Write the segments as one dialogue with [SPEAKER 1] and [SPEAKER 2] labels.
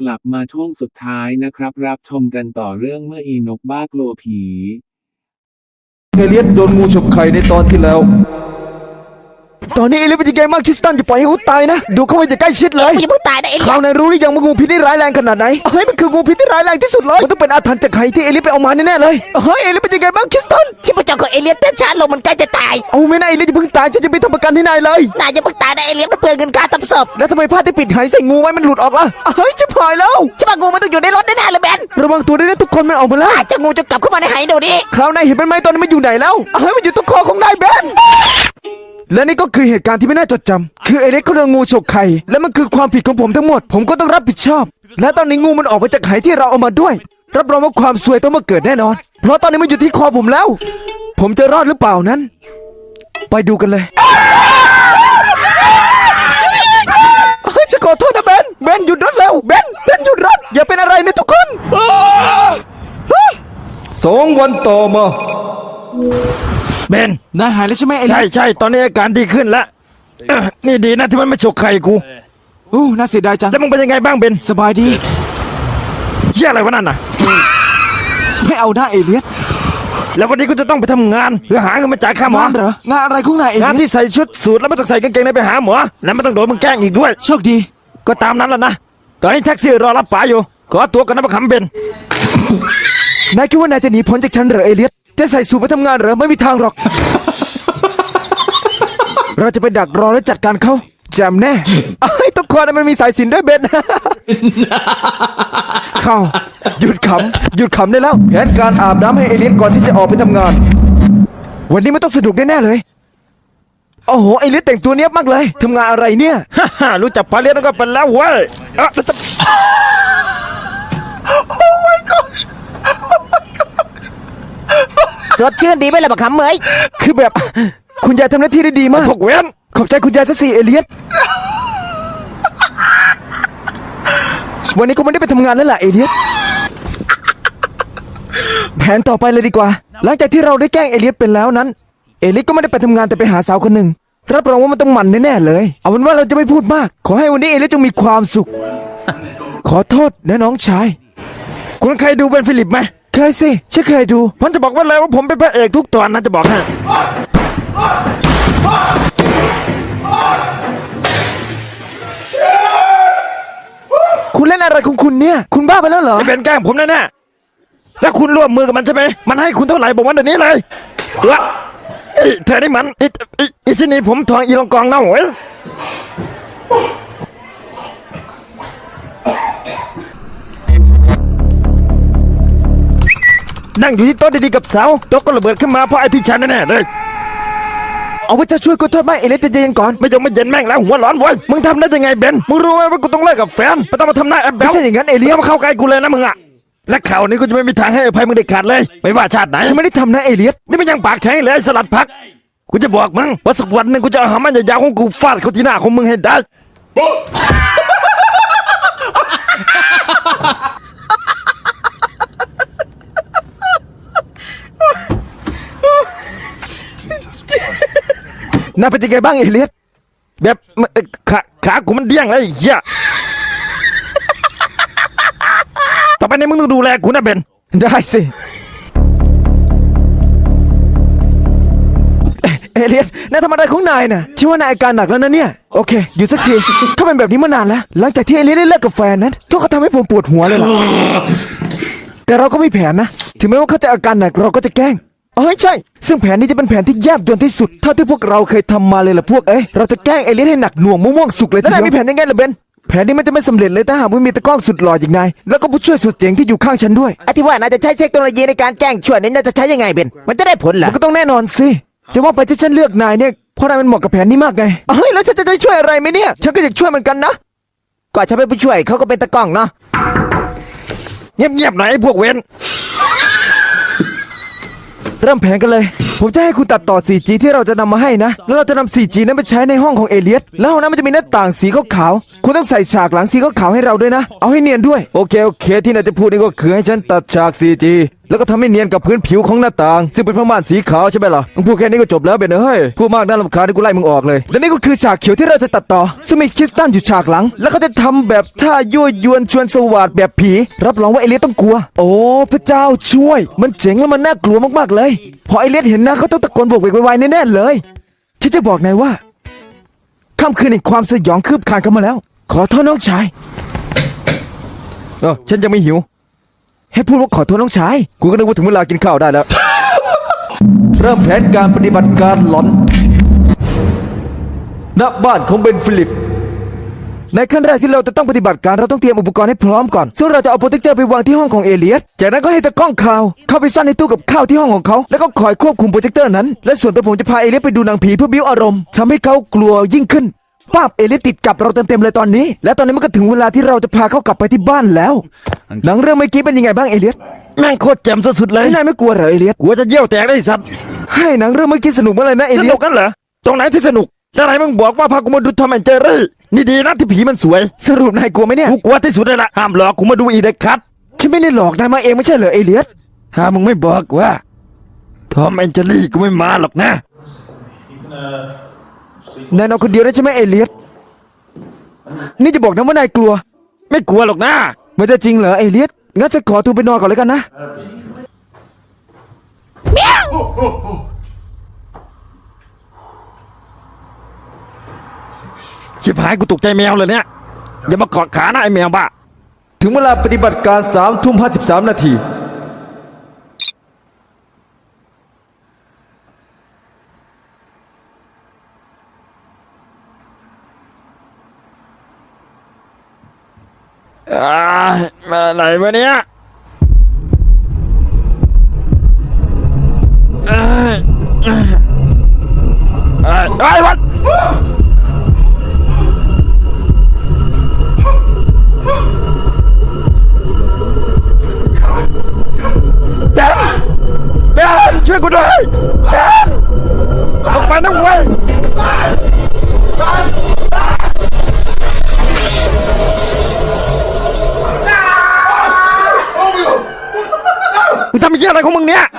[SPEAKER 1] ลับมาช่วงสุดท้ายนะครับรับชมกันต่อเรื่องเมื่ออีนกบ้ากลัวผี
[SPEAKER 2] เอเลียสโดนงูฉกไข่ในตอนที่แล้วตอนนี้เอเลียสเป็นยังไงบ้างคริสตันจะปล่อยให้เขาตายนะดูเขาไว้จะใกล้ชิดเลย
[SPEAKER 3] มึงอย่าเพิ่งตายนะเอเลียส
[SPEAKER 2] คราวนายรู้หรือยังว่างูพิษนี่ร้ายแรงขนาดไหนเฮ้ยมันคืองูพิษที่ร้ายแรงที่สุดเลยมันต้องเป็นอาถรรพ์จากไข่ที่เอเลียสไปเอามาแน่ๆเลยเฮ้ยเอเลียสเป็นยังไงบ้างคริสตัน
[SPEAKER 3] ชีพจรของเอเลียสเต้นช้าลงมันใกล้จะตาย
[SPEAKER 2] เอาไม่น่าเอเลียสจะเพิ่งตายฉันจะไปทำประกันให้นายเลย
[SPEAKER 3] นายอย่าเพิ่งตายนะเอเลียสมันเปลืองเงินค่าทำศพ
[SPEAKER 2] แล้วทำไมผ้าที่ปิดหายใส่งูไว้มันหลุดออกล่ะเฮ้ยจะพายแล้ว
[SPEAKER 3] ใช่ป่ะงูมันต้องอยู่ในรถแน่ๆเลยเบน
[SPEAKER 2] ระวังตัวด้วยนะทุกคนมันออกมาแล้ว
[SPEAKER 3] อาจจะงูจะกลับเข้ามาในไหดูดิ
[SPEAKER 2] คราวนายเห็นมันไหมตอนนี้มันอยู่ไหนแล้วเฮ้ยมันอยู่ตรงคอของนายเบนและนี่ก็คือเหตุการณ์ที่ไม่น่าจดจำคือเอเลียสเขาโดนงูฉกไข่และมันคือความผิดของผมทั้งหมดผมก็ต้องรับผิดชอบ และตอนนี้งูมันออกมาจากไข่ที่เราเอามาด้วยรับรองว่าความซวยต้องมาเกิดแน่นอนเพราะตอนนี้มันอยู่ที่คอผมแล้ว ผมจะรอดหรือเปล่านั้น ไปดูกันเลยเฮ้ยจะขอโทษนะเบนหยุดรถเร็วเบนหยุดรถอย่าเป็นอะไรนะทุกคน2 วันต่อมา
[SPEAKER 4] เบน
[SPEAKER 2] นายหายแล้วใช่ไหมเอเลียส
[SPEAKER 4] ใช่ตอนนี้อาการดีขึ้นแล้วนี่ดีนะที่มันไม่ฉกไข่กู
[SPEAKER 2] น่าเสียดายจัง
[SPEAKER 4] แล้วมึงเป็นยังไงบ้างเบน
[SPEAKER 2] สบายดี
[SPEAKER 4] เหี้ยอะไรวะนั่นน่ะ
[SPEAKER 2] ไม่เอาหน้าเอเลียส
[SPEAKER 4] แล้ววันนี้กูจะต้องไปทำงานเพื่อหาเงินมาจ่ายค่าหมอง
[SPEAKER 2] านเหรองานอะไรของนายเอเลี
[SPEAKER 4] งาย น
[SPEAKER 2] ส
[SPEAKER 4] ที่ใส่ชุดสูทแล้วไม่ต้องใส่กางเกงในไปหาหมอแล้วไม่ต้องโดนมึงแกล้งอีกด้วย
[SPEAKER 2] โชคดี
[SPEAKER 4] ก็ตามนั้นแหละนะตอนนี้แท็กซี่รอรับป๋าอยู่ขอตัวกันนะประคำเบน
[SPEAKER 2] นายคิดว่านายจะหนีพ้นจากฉันเหรอเอเลียสจะใส่สูทไปทำงานเหรอไม่มีทางหรอก เราจะไปดักรอและจัดการเขาแจมแน่ไอ้ยทุกคนมันมีสายสิญจนด้วยเบน เข้าหยุดขำได้แล้วแผนการอาบน้ำให้เอเลียสก่อนที่จะออกไปทำงาน วันนี้มันต้องสนุกแน่ๆเลยโอ้โหเอเลียสแต่งตัวเนี้ยบมากเลยทำงานอะไรเนี่ย
[SPEAKER 4] ฮ่ารู้จักปลาเลี้ยงก็เป็นแล้วเว้ยแล้วจะ
[SPEAKER 3] สดชื่นดีไหมล่ะบักขำเหมย
[SPEAKER 2] คือแบบคุณยายทำหน้าที่ได้ดีมาก
[SPEAKER 4] พวกเว้น
[SPEAKER 2] ขอบใจคุณยายซะสิเอเลียส วันนี้ก็ไม่ได้ไปทำงานแล้วล่ะเอเลียส แผนต่อไปเลยดีกว่า หลังจากที่เราได้แกล้งเอเลียสเป็นแล้วนั้น เอเลียสก็ไม่ได้ไปทำงานแต่ไปหาสาวคนหนึ่งรับรองว่ามันต้องมันแน่ๆเลย เอาเป็นว่าเราจะไม่พูดมาก ขอให้วันนี้เอเลียสจงมีความสุข ขอโทษนะน้องชาย
[SPEAKER 4] คุณเคยดูเบนฟิลิปไหม
[SPEAKER 2] เคยสิฉันเคยดู
[SPEAKER 4] ผมจะบอกไว่าเลยว่าผมเป็นพระเอกทุกตอนนะจะบอกให้
[SPEAKER 2] คุณเล่นอะไรของคุณเนี่ย คุณบ้าไปแล้วเหรอ
[SPEAKER 4] ไอ้เบนแกล้งผมแน่ๆแล้วคุณร่วมมือกับมันใช่ไหมมันให้คุณเท่าไหร่บอกว่าเดี๋ยวนี้เลยละเธอนี่มันไอ้ชนีผมทองอีลองกองเน่าเว้ยนั่งอยู่ที่โต๊ะดีๆกับสาวโต๊ะก็ระเบิดขึ้นมาเพราะไอ้พี่ชันแน่ๆเลย
[SPEAKER 2] เอาว่าจะช่วยกูโทษไหมเอเลียสใจะเย็นก่อน
[SPEAKER 4] ไม่ยอมไม่เย็นแม่งแล้วหัวร้อนเว้ยมึงทำได้ยังไงเบนมึงรู้ไหมว่ากูต้องเลิกกับแฟนไม่ต้องมาทำหน้าแอบแบ
[SPEAKER 2] ไม่
[SPEAKER 4] บ
[SPEAKER 2] ใช่อย่างนั้นเอเลียส
[SPEAKER 4] มาเข้าใกล้กูเลยนะมึงอะและข่าวนี้กูจะไม่มีทางให้อภัยมึงเด็ดขาดเลยไม่ว่าชาติไหน
[SPEAKER 2] ฉันไม่ได้ทำนะเอเลียส
[SPEAKER 4] นี่มันยังปากแข็งเลยไอ้สลัดผักกูจะบอกมึงว่าสักวันหนึ่งกูจะเอาหามันยาวๆของกูฟาดเข้าที่หน้าของมึงให้ได้
[SPEAKER 2] น่าเป็นยังไงบ้างเอเลียส
[SPEAKER 4] แบบขากูมันเดี้ยงเลยไอ้เหี้ยต่อไปนี้มึงต้องดูแลกูนะเบน
[SPEAKER 2] ได้สิเอเลียสนายทำอะไรของนายน่ะชื่อว่านายอาการหนักแล้วนะเนี่ยโอเคอยู่สักทีเขาเป็นแบบนี้มานานแล้วหลังจากที่เอเลียสได้เลิกกับแฟนนั้นเขาก็ทำให้ผมปวดหัวเลยล่ะแต่เราก็มีแผนนะถึงแม้ว่าเขาจะอาการหนักเราก็จะแกล้งใช่ซึ่งแผนนี้จะเป็นแผนที่แยบยลที่สุดเท่าที่พวกเราเคยทำมาเลยล่ะพวกเราจะแกล้งเอเลียสให้หนักหน่วงม่วงสุกเลยแล้วนายมีแผนยังไงล่ะเบนแผนนี้มันจะไม่สำเร็จเลยถ้าหากไม่มีตะกล้องสุดหล่ออย่างนายแล้วก็ผู้ช่วยสุดเจ๋งที่อยู่ข้างฉันด้วย
[SPEAKER 3] ไอ้ที่ว่านายจะใช้เทคโนโลยีในการแกล้งช่วยนี่นายจะใช้ยังไงเบนมันจะได้ผลเหรอ
[SPEAKER 2] มันก็ต้องแน่นอนสิจะว่าไปที่ฉันเลือกนายเนี่ยเพราะนายมันเหมาะกับแผนนี้มากไงแล้วฉันจะได้ช่วยอะไรไหมเนี่ยฉันก็อยากช่วยเหมือนกันนะ
[SPEAKER 3] ก่อนฉันเป็นผู้ช่วยเขาก็เป็นตะกล้องเนาะ
[SPEAKER 4] เงียบๆหน่อยไอ้พวกเว้น
[SPEAKER 2] เริ่มแผนกันเลย ผมจะให้คุณตัดต่อ 4G ที่เราจะนำมาให้นะ แล้วเราจะนำ 4G นั้นไปใช้ในห้องของเอเลียสแล้วห้องนั้นมันจะมีหน้าต่างสีขาวๆคุณต้องใส่ฉากหลังสีขาวๆให้เราด้วยนะ เอาให้เนียนด้วย โอเค ที่นายจะพูดนี่ก็คือให้ฉันตัดฉาก 4G แแล้วก็ทำให้เนียนกับพื้นผิวของหน้าต่าง ซึ่งเป็นผ้าม่านสีขาวใช่ไหมล่ะมึงพูดแค่นี้ก็จบแล้วเบนเฮ้ยพูดมากน่ารำคาญที่กูไล่มึงออกเลยและนี่ก็คือฉากเขียวที่เราจะตัดต่อซึ่งมีคริสตันอยู่ฉากหลัง แล้วเขาจะทำแบบท่ายั่วยวนชวนสวาดแบบผีรับรองว่าเอเลียสต้องกลัวโอ้พระเจ้าช่วยมันเจ๋งแล้วมันน่ากลัวมากๆเลยพอเอเลียสเห็นหน้าเขาต้องตะโกนโบกเวกไวๆแน่ๆเลยฉันจะบอกนายว่าค่ำคืนแห่งความสยองคืบคลานเข้ามาแล้วขอโทษน้องชายฉันยังไม่หิวให้พูดว่าขอโทษน้องชายกูก็นึกว่าถึงเวลากินข้าวได้แล้ว เริ่มแผนการปฏิบัติการหลอนณบ้านของเบนฟิลิปในขั้นแรกที่เราจะต้องปฏิบัติการเราต้องเตรียมอุปกรณ์ให้พร้อมก่อนซึ่งเราจะเอาโปรเจคเตอร์ไปวางที่ห้องของเอเลียสจากนั้นก็ให้ตะกล้องข่าวเข้าไปซ่อนในตู้กับข้าวที่ห้องของเขาแล้วก็คอยควบคุมโปรเจคเตอร์นั้นและส่วนตัวผมจะพาเอเลียสไปดูหนังผีเพื่อบิ้วอารมณ์ทำให้เขากลัวยิ่งขึ้นป้าบเอเลียสติดกับเราเต็มๆเลยตอนนี้และตอนนี้มันก็ถึงเวลาที่เราจะพาเขากลับไปที่บ้านแล้วหนังเรื่องเมื่อกี้เป็นยังไงบ้างเอเลียส
[SPEAKER 4] แม่งโคตรแจ่มสุดๆเลย
[SPEAKER 2] นายไม่กลัวเหรอเอเลียส
[SPEAKER 4] กลัวจะเยี่ยวแตกได้สัตว์
[SPEAKER 2] ให้หนังเรื่องเมื่อกี้สนุกมากเลยนะเอ
[SPEAKER 4] ส
[SPEAKER 2] เลีย
[SPEAKER 4] นุ
[SPEAKER 2] ส
[SPEAKER 4] กกันเหรอตรงไหนที่สนุกจะไหนมึงบอกว่าพากูมาดูทอมแอนด์เจอรี่นี่ดีนะที่ผีมันสวย
[SPEAKER 2] สรุปนายกลัวไหมเนี่ย
[SPEAKER 4] กูกลัวที่สุดเลยล่ะห้ามหลอกกูมาดูอีเด็กคัด
[SPEAKER 2] ฉันไม่ได้หลอกนายมาเองไม่ใช่เหรอเอเลียส
[SPEAKER 4] ถ้ามึงไม่บอกว่าทอมแอนด์เจอรี่กูไม่มาหรอกนะ
[SPEAKER 2] นายนอนคนเดียวได้ใช่ไหมเอเลียสนี่จะบอกนะว่านายกลัว
[SPEAKER 4] ไม่กลัวหรอกนะ
[SPEAKER 2] มันจะจริงเหรอเอเลียสงั้นจะขอตัวไปนอนก่อนเลยกันนะ
[SPEAKER 4] ชิบหายกูตกใจแมวเลยเนี่ยอย่ามาเกาะขานะไอแมวบ้า
[SPEAKER 2] ถึงเวลาปฏิบัติการ3:53 นาที
[SPEAKER 4] มาไหนวะเนี่ยไอ้วัดแบนช่วยกูด้วยแบนออกไปนะเว้ยมึงทำไอ้เหี้ยอะไรของมึงเนี่ย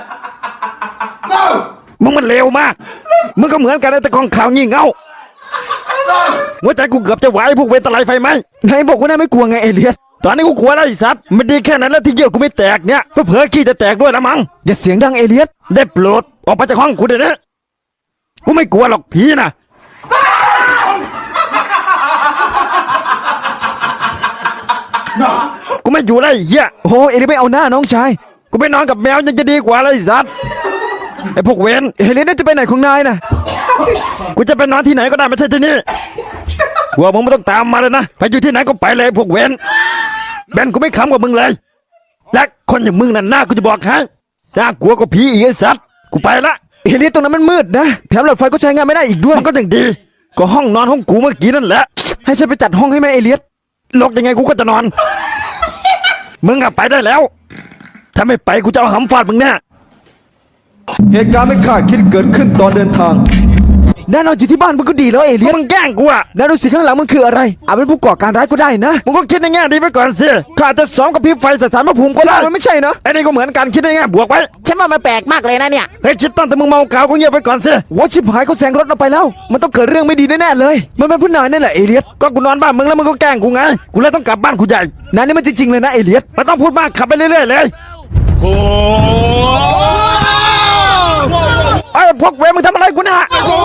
[SPEAKER 4] มึงมันเลวมากมึงก็เหมือนกันไอ้ตะกองข่าวงี่เง่าหัวใจกูเกือบจะไหวพวกเวทตะไลไฟไหม
[SPEAKER 2] นายบอกว่านายไม่กลัวไงเอเลียส
[SPEAKER 4] ตอนนี้กูกลัวแล้วไอ้สัตว์มันดีแค่นั้นแล้วที่เยี่ยวกูไม่แตกเนี่ยเพื่อเผลอขี้จะแตกด้วยละมั้ง
[SPEAKER 2] อย่าเสียงดังเอเลียส
[SPEAKER 4] ได้โปรดออกไปจากห้องกูเดี๋ยวนี้กูไม่กลัวหรอกผีนะกูไม่อยู่แล้วไอ้เหี้ย
[SPEAKER 2] โอ้เอเลียสไม่เอาหน้าน้องชาย
[SPEAKER 4] กูไปนอนกับแมวยังจะดีกว่าเลยไอ้สัตว์ไอ้พวกเวน
[SPEAKER 2] เอเลียสน่าจะไปไหนของนายน่ะ
[SPEAKER 4] กูจะไปนอนที่ไหนก็ได้ไม่ใช่ที่นี่หัวมึงไม่ต้องตามมาเลยนะไปอยู่ที่ไหนก็ไปเลยพวกเวนแบนกูไม่ขำกับมึงเลยและคนอย่างมึงนั่นหน้ากูจะบอกให้น่ากลัวกว่าผีอีกไอ้สัตว์กูไปละ
[SPEAKER 2] เอเลียสตรงนั้นมันมืดนะแถมหลอดไฟก็ใช้งานไม่ได้อีกด้วย
[SPEAKER 4] มันก็ยังดีก็ห้องนอนของกูเมื่อกี้นั่นแหละ
[SPEAKER 2] ให้ฉันไปจัดห้องให้แม่เอเลียส
[SPEAKER 4] ลกยังไงกูก็จะนอน มึงอะไปได้แล้ว ถ้าไม่ไปกูจะเอาหำฟาดมึงแน่
[SPEAKER 2] เหตุการณ์ไม่คาดคิดเกิดขึ้นตอนเดินทางแน่นอนอยู่ที่บ้านมันก็ดีแล้วเอเลียส
[SPEAKER 4] มึงแกล้งกูอะ
[SPEAKER 2] แล้วดูสิข้างหลังมันคืออะไรอาจเป็นผู้ก่อการร้ายก็ได้นะ
[SPEAKER 4] มึงก็คิดในแง่ดีไว้ก่อนสิข้าจะซ้อมกับพริบไฟสถานพระภูมิก็ได้
[SPEAKER 2] มันไม่ใช่นะ
[SPEAKER 4] ไอ้นี่ก็เหมือนกันคิดในแง่บวกไว้
[SPEAKER 3] ฉันว่ามันแปลกมากเลยนะเนี่ย
[SPEAKER 4] เฮ้ยคิดตั้งแต่มึงเมากาวก็เงียบไปก่อนสิ
[SPEAKER 2] ว่าชิบหายเขาแซงรถเราไปแล้ว มันต้องเกิดเรื่องไม่ดีแน่ๆเลย มันเป็นผู้นายนั่นแหละเอเลียส
[SPEAKER 4] ก็กูนอนบ้านมึงแล้วมึงก็แกล้งกูไง กูเลยต้องกลับบ้านกูใหญ่
[SPEAKER 2] นายนี่มันจริงๆเลยนะเอเลียส
[SPEAKER 4] ไม่ต้องพูดมากขับไปเรื่อยๆเลยไอ้พวกเวรมึงทำอะไรกูเนี่ย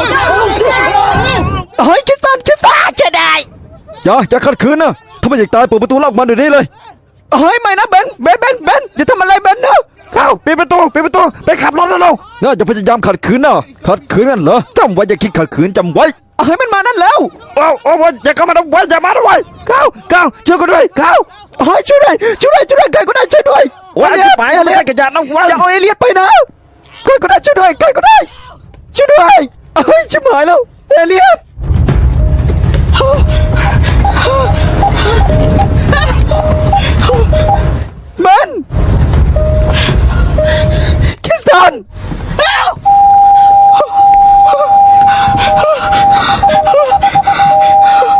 [SPEAKER 2] เฮ้ยคริสตัน
[SPEAKER 3] ช่วยได้
[SPEAKER 2] อย่าขัดขืนนะถ้าไม่อยากตายเปิดประตูล็อกมันเดี๋ยวนี้เลยเฮ้ยไม่นะเบนอย่าทำอะไรเบนนะ
[SPEAKER 4] เข้าปิดประตูไปขับรถแล้วเรา
[SPEAKER 2] อย่าพยายามขัดขืนนะขัดขืนนั่นเหรอจำไว้อย่าคิดขัดขืนจำไว้เฮ้ยมันมานั่นแล้ว
[SPEAKER 4] โอ้อย่าเข้ามาด้วยอย่ามาด้วยเข้าช่วยกูด้วยเข้า
[SPEAKER 2] เฮ้ยช่วยด้วยใครก็ได้ช่วยด้วย
[SPEAKER 4] โอ้ยไปเลยกระยาน้องไว้
[SPEAKER 2] อย่าเอาเอเลียสไปนะใครก็ได้ช่วยด้วยเฮ้ยชิบหายแล้วเอเลียสเบนคริสตัน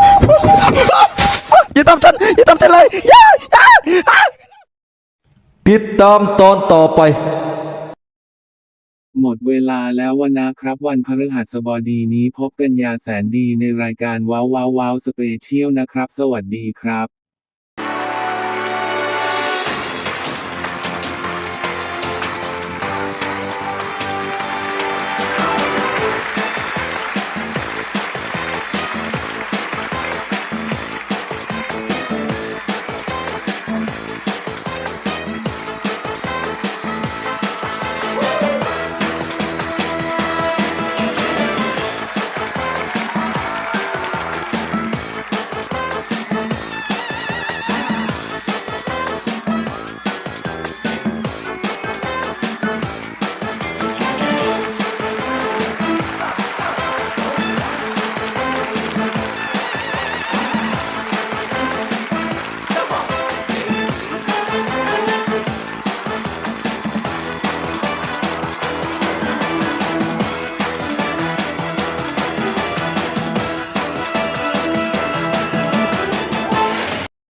[SPEAKER 2] อย่าทำฉันเลยอย่าปิติดตามตอนต่อไป
[SPEAKER 1] หมดเวลาแล้ววันนะครับวันพฤหัสบดีนี้พบกันยาแสนดีในรายการว้าวว้าวว้าวสเปเชียลนะครับ สวัสดีครับ